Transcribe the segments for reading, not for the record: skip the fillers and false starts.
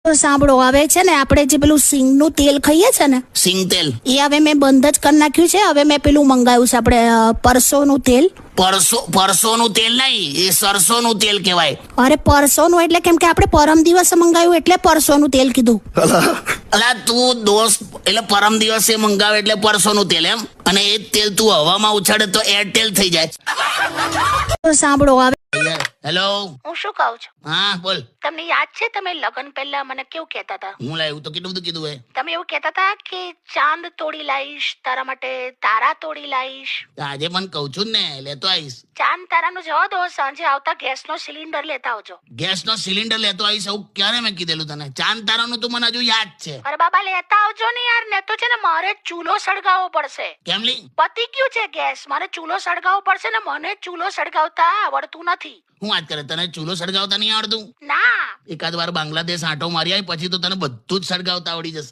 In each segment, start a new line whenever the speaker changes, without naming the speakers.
સાંભળો, હવે છે ને આપણે જે પેલું સિંગનું તેલ ખાઈએ છે ને,
સિંગ તેલ
એ હવે મેં બંધ જ કરી નાખ્યું છે. હવે મેં પેલું મંગાવ્યું છે આપણે પરસોનું તેલ.
પરસોનું તેલ નહીં, એ સરસોનું તેલ કહેવાય.
અરે પરસોનું એટલે કેમ કે આપણે પરમ દિવસે મંગાવ્યું એટલે પરસોનું તેલ કીધું.
અલા તું દોસ્ત, એટલે પરમ દિવસે મંગાવે એટલે પરસોનું તેલ એમ, અને એ જ તેલ તું હવામાં ઉછાળે તો એરટેલ થઈ જાય.
સાંભળો હવે.
હેલો,
હું શું કહું છું,
હા બોલ.
તમને યાદ છે તમે લગ્ન પહેલા મને કેવું કહેતા હતા?
હું લાવ્યું તો કેટલું બધું કીધું હે.
તમે એવું કહેતા હતા કે ચાંદ તોડી લાવીશ તારા માટે, તારા તોડી લાવીશ.
આજે પણ કહું છું ને, લેતો આવીશ.
ચાંદ તારાનું જવા દો, સાંજે આવતા ગેસનો સિલિન્ડર લેતા આવજો.
ગેસનો સિલિન્ડર લેતો આવીશ એવું ક્યારે મેં કીધેલું તને? ચાંદ તારાનું તો મને હજુ યાદ છે.
અરે બાબા લેતા આવજો ને યાર, ને તો છે ને મારે ચૂલો સળગાવવો પડશે.
કેમ લી?
પતી ગયું છે ગેસ, મારે ચૂલો સળગાવવો પડશે ને મને ચૂલો સળગાવતા આવડતું નથી.
હું વાત કરે, તને ચૂલો સળગાવતા નહીં આવડતું?
ના.
એકાદ વાર બાંગ્લાદેશ આંટો મારી આવી પછી તો તને બધું જ સળગાવતા આવડી જશે.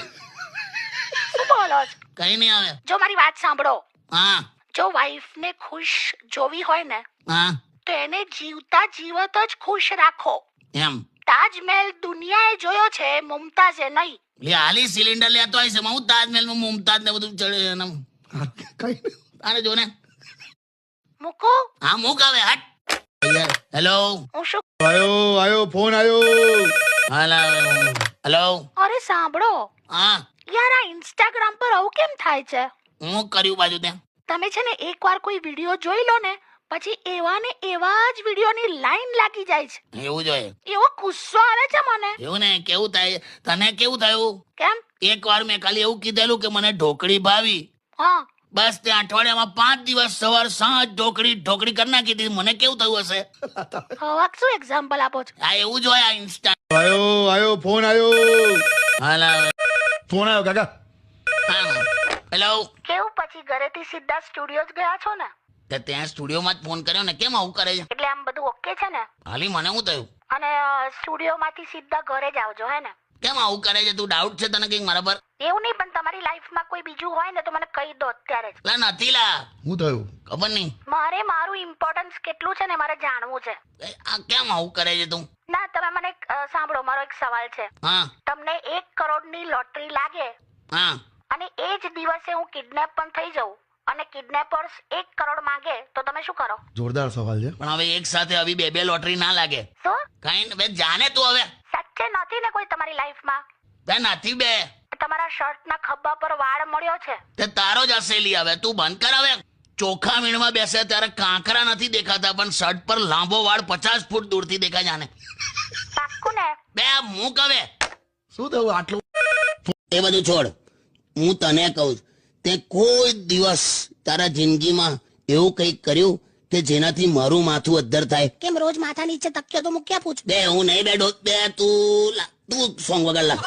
શું બોલો છો?
કઈ નહીં આવે.
જો મારી વાત સાંભળો,
હા
જો વાઈફ ને ખુશ જોવી હોય ને
હા
તો એને જીવતા જીવત જ ખુશ રાખો.
એમ
તાજમહેલ દુનિયાએ જોયો છે, મુમતાઝે નહીં.
લે હાલી સિલિન્ડર લેતો આવીશ. હું તાજમહેલ માં મુમતાજ ને બધું ચડે કઈ આને જો ને.
મૂકો.
હા મૂક હવે, હટ. હેલો,
હું શું?
આયો ફોન આયો.
હેલો.
અરે સાંભળો
હા
યાર, આ ઇન્સ્ટાગ્રામ પર આવું કેમ થાય છે?
હું કર્યું બાજુ ત્યાં.
તમે છે ને એકવાર કોઈ વિડીયો જોઈ લો ને પછી એવા ને એવા જ વિડીયોની લાઈન લાગી જાય છે.
એવું જોઈએ.
એવો ગુસ્સો આવે છે મને.
એવું ને, કેવું થાય તને? કેવું થયું?
કેમ?
એક વાર મેં ખાલી એવું કીધેલું કે મને ઢોકળી ભાવી,
હા,
બસ તે અઠવાડિયામાં 5 દિવસ સવાર સાંજ ઢોકળી કરી નાખી દીધી. મને કેવું થયું હશે?
હવે શું એક્ઝામ્પલ આપો છો?
આ એવું જ હોય આ ઇન્સ્ટા.
આયો ફોન આયો.
હાલા.
ફોન આયો કાકા.
હા હેલો.
કેવું પછી ઘરેથી સીધા સ્ટુડિયો જ ગયા છો ને?
તે ત્યાં સ્ટુડિયોમાં જ ફોન કર્યો ને, કેમ આવું કરે છે?
એટલે આમ બધું ઓકે છે ને?
હાલી મને શું થયું?
અને સ્ટુડિયોમાંથી સીધા ઘરે જ આવજો, હે ને?
કેમ આવું કરે છે? તું ડાઉટ છે તને કઈક મારા પર?
એવું નહીં, પણ તમારી લાઈફમાં કોઈ બીજું હોય ને તો મને કહી દો અત્યારે જ.
લા નથી લા.
શું થયું?
ખબર નહીં.
મારે મારું ઇમ્પોર્ટન્સ કેટલું છે ને મારે જાણવું છે.
આ કેમ આવું કરે છે તું?
ના, તમે મને સાંભળો, મારો એક સવાલ છે.
હા
તમને 1 કરોડની લોટરી લાગે
હા
અને એ જ દિવસે હું કિડનેપ પણ થઈ જાઉં અને કિડનેપર્સ 1 કરોડ માંગે તો તમે શું કરો?
જોરદાર સવાલ છે.
પણ હવે એક સાથે આવી બે લોટરી ના લાગે.
શું?
કઈ બે જાને તું હવે.
સાચે નથી ને કોઈ તમારી લાઈફમાં?
બે નથી બે.
તમારા શર્ટના ખભા પર વાળ મળ્યો છે?
તે તારો જ હસેલી. હવે તું બંધ કર. હવે ચોખા મીણમાં બેસે ત્યારે કાંકરા નથી દેખાતા, પણ શર્ટ પર લાંબો વાળ 50 ફૂટ દૂરથી દેખાય જાને.
પાક્કું ને?
બે મૂક હવે.
શું થયું આટલું?
એ બધું છોડ. હું તને કહું, તે કોઈ દિવસ તારા જિંદગીમાં એવું કંઈક કર્યું કે જેનાથી મારું માથું અદ્ધર થાય?
કેમ રોજ માથા નીચે તક્યો તો મૂક્યા પૂછ?
બે હું નહીં બેઠો. બે તું સોંગ વગર લા.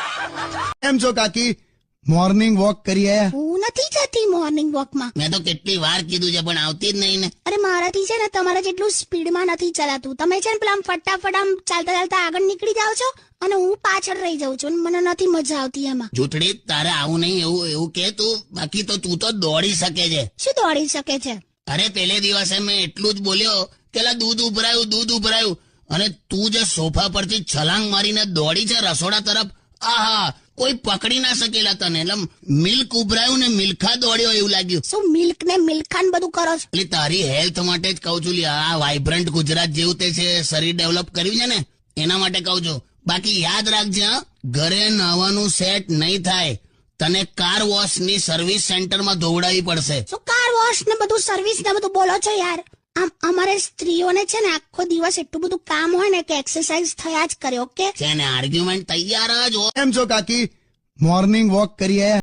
એમ છો કાકી? મોર્નિંગ વોક કરીએ.
હું નથી જતી મોર્નિંગ વોકમાં.
મેં તો કેટલી વાર કીધું છે પણ આવતી જ નહીં ને.
અરે મારાથી છે ને તમારા જેટલું સ્પીડમાં નથી ચલાતું. તમે છે ને પેલા આમ ફટાફટ આમ ચાલતા ચાલતા આગળ નીકળી જાઓ છો અને હું પાછળ રહી જાઉં છું. મને નથી મજા આવતી એમાં.
જૂઠડી, તારે આવું નહીં એવું કે તું. બાકી તો તું તો દોડી શકે છે.
શું દોડી શકે છે?
અરે પેલે દિવસે મેં એટલું જ બોલ્યો કે લા દૂધ ઉભરાયું, અને તું જે સોફા પરથી છલાંગ મારીને દોડી છે રસોડા તરફ, આહા કોઈ પકડી ના શકેલા તને. એટલે મિલ્ક ઉભરાયું ને મિલ્ખા દોડ્યો એવું લાગ્યું.
શું મિલ્ક ને મિલ્ખાન બધું કરો છો?
એટલે તારી હેલ્થ માટે જ કહું છું. આ વાઇબ્રન્ટ ગુજરાત જેવું તે છે, શરીર ડેવલપ કર્યું છે ને એના માટે કહું છું. બાકી યાદ રાખજે, ઘરે નાવાનું સેટ નહીં થાય. તને કાર વોશ ની સર્વિસ સેન્ટરમાં ધોવડાવી પડશે.
શું કાર વોશ ને બધું સર્વિસ ને બધું બોલો છો યાર? આમ અમારે સ્ત્રીઓને છે ને આખો દિવસ એટલું બધું કામ હોય ને કે એક્સરસાઇઝ થયા જ કરે. ઓકે
છે ને આર્ગ્યુમેન્ટ તૈયાર જ હોય.
એમ છો કાકી? મોર્નિંગ વોક કરીએ.